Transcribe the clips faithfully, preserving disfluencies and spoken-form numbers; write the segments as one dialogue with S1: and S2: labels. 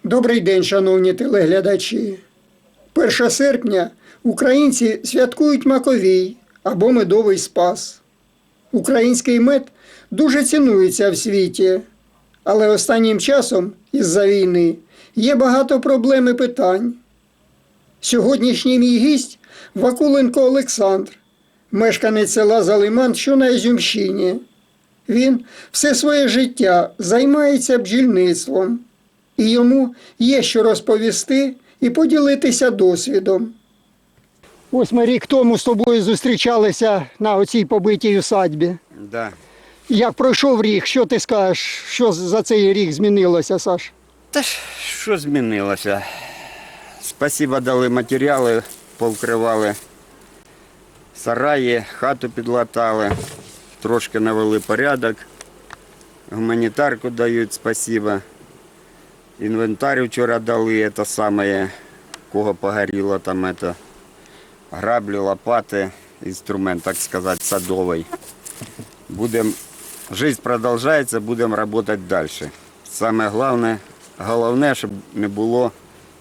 S1: Добрий день, шановні телеглядачі. першого серпня українці святкують Маковій або Медовий Спас. Український мед дуже цінується в світі, але останнім часом, із-за війни, є багато проблем і питань. Сьогоднішній мій гість – Вакуленко Олександр, мешканець села Залиман, що на Ізюмщині. Він все своє життя займається бджільництвом. І йому є що розповісти і поділитися досвідом. Ось ми рік тому з тобою зустрічалися на оцій побитій усадьбі.
S2: Да.
S1: Як пройшов рік, що ти скажеш, що за цей рік змінилося, Саш?
S2: Та ж що змінилося? Спасибо, дали матеріали, повкривали сараї, хату підлатали, трошки навели порядок, гуманітарку дають, спасибо. Інвентар вчора дали, це саме, кого погоріло, там это, граблі, лопати, інструмент, так сказати, садовий. Будем, жизнь продовжується, будемо працювати далі. Саме головне, головне, щоб не було,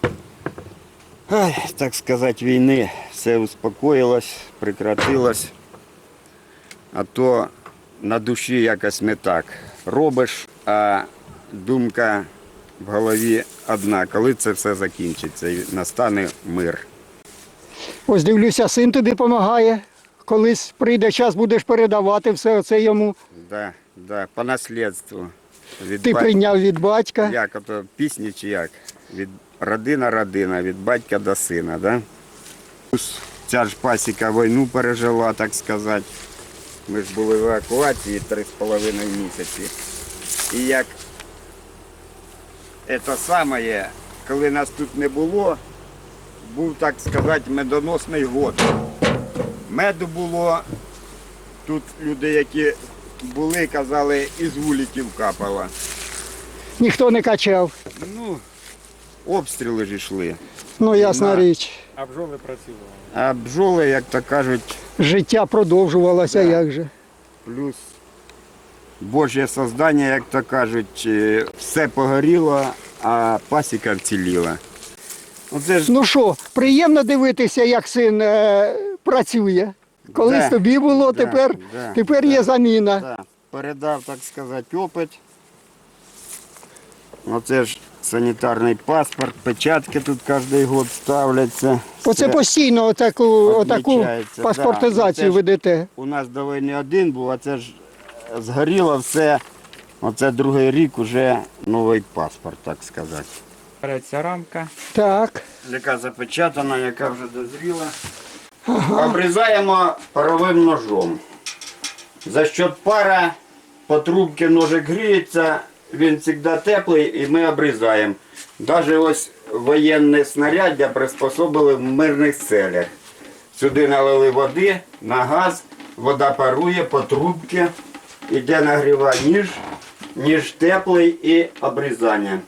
S2: ай, так сказати, війни, все успокоїлось, прекратилось, а то на душі якось не так. Робиш, а думка в голові одна, коли це все закінчиться і настане мир.
S1: Ось дивлюся, син тобі допомагає. Колись прийде час, будеш передавати все це йому.
S2: Да, да, по наслідству. Від
S1: Ти
S2: бать-
S1: прийняв від батька.
S2: Як ото пісні чи як? Від родина родина, від батька до сина, да? Ця ж пасіка війну пережила, так сказати. Ми ж були в евакуації три з половиною місяці. І як це саме, коли нас тут не було, був, так сказати, медоносний год. Меду було, тут люди, які були, казали, із вуликів капало.
S1: Ніхто не качав.
S2: Ну, обстріли ж йшли.
S1: Ну, ясна
S2: На.
S1: річ.
S3: А бджоли працювали.
S2: А бджоли, як то кажуть,
S1: Життя продовжувалося,
S2: Да.
S1: як же.
S2: плюс Божє создання, як то кажуть, е, все погоріло, а пасіка вціліла. Оце ж
S1: Ну що, приємно дивитися, як син е, працює. Колись
S2: Да.
S1: тобі було,
S2: Да,
S1: тепер,
S2: да,
S1: тепер
S2: да.
S1: є заміна.
S2: да, передав, так сказати, опит. Оце ж санітарний паспорт, печатки тут кожен рік ставляться.
S1: Оце
S2: Все
S1: постійно отаку, отаку
S2: відмічається,
S1: паспортизацію
S2: да. Оце ж
S1: ведете.
S2: У нас до війни один був, а це ж згоріло все. Оце другий рік вже новий паспорт, так сказати.
S3: Береться рамка.
S1: Так.
S2: Яка запечатана, яка вже дозріла. Обрізаємо паровим ножом. За що пара по трубці ножик гріється, він завжди теплий і ми обрізаємо. Навіть ось воєнне снаряддя приспособили в мирних целях. Сюди налили води на газ, вода парує по трубці, іде нагріва ніж, ніж теплий і обрізання.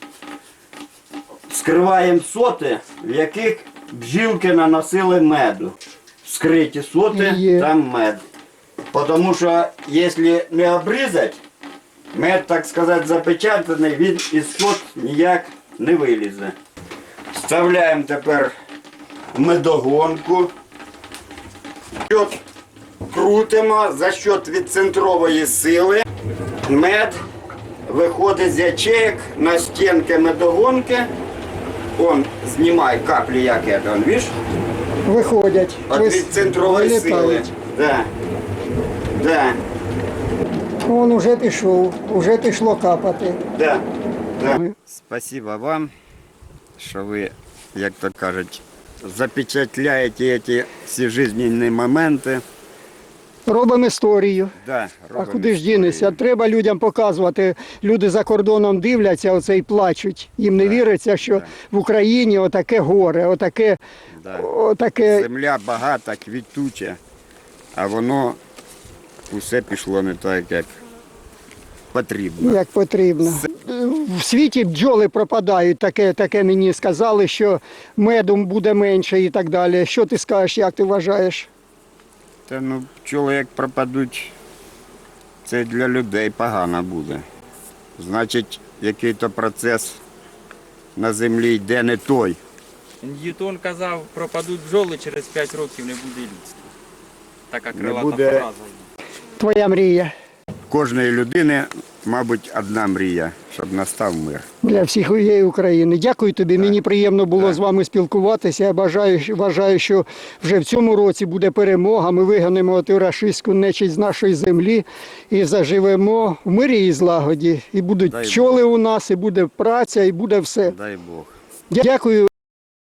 S2: Скриваємо соти, в яких бджілки наносили меду. Скриті соти,
S1: Є.
S2: там мед. Тому що, якщо не обрізати, мед, так сказати, запечатаний, він із сот ніяк не вилізе. Вставляємо тепер медогонку. Счет крутимо за счет відцентрової сили. Мед виходить з ячеек на стінки медогонки. Он знімає каплі, як це, он, бачиш?
S1: Виходять.
S2: От
S1: Вис-
S2: від центрової сили.
S1: вилітають.
S2: Да. Да.
S1: Вон уже пішов, уже пішло капати.
S2: Да. Да. Спасибо вам, що ви, як то кажуть, запечатляєте ці всі життєві моменти.
S1: Робимо історію.
S2: Да,
S1: А
S2: робимо
S1: куди ж
S2: історію.
S1: дінешся? Треба людям показувати. Люди за кордоном дивляться оце і плачуть. Їм не віриться, що в Україні отаке горе, отаке,
S2: Да.
S1: отаке.
S2: Земля багата, квітуча, а воно усе пішло не так, як потрібно.
S1: Як потрібно. В світі бджоли пропадають, таке, таке мені сказали, що меду буде менше і так далі. Що ти скажеш, як ти вважаєш?
S2: Та ну пчоли як пропадуть, це для людей погано буде. Значить, який-то процес на землі йде не той.
S3: Ньютон казав, пропадуть бджоли, через п'ять років не буде людства. Така
S2: Не
S3: крилата
S2: буде.
S3: фраза.
S1: Твоя мрія
S2: Кожної людини, мабуть, одна мрія, щоб настав мир.
S1: для всіх усієї України. Дякую тобі. Мені приємно було
S2: Так.
S1: з вами спілкуватися. Я бажаю, вважаю, що вже в цьому році буде перемога. Ми вигонимо ту рашистську нечисть з нашої землі і заживемо в мирі і злагоді. І будуть
S2: Дай
S1: пчоли у нас, і буде праця, і буде все.
S2: Дай Бог.
S1: Дякую.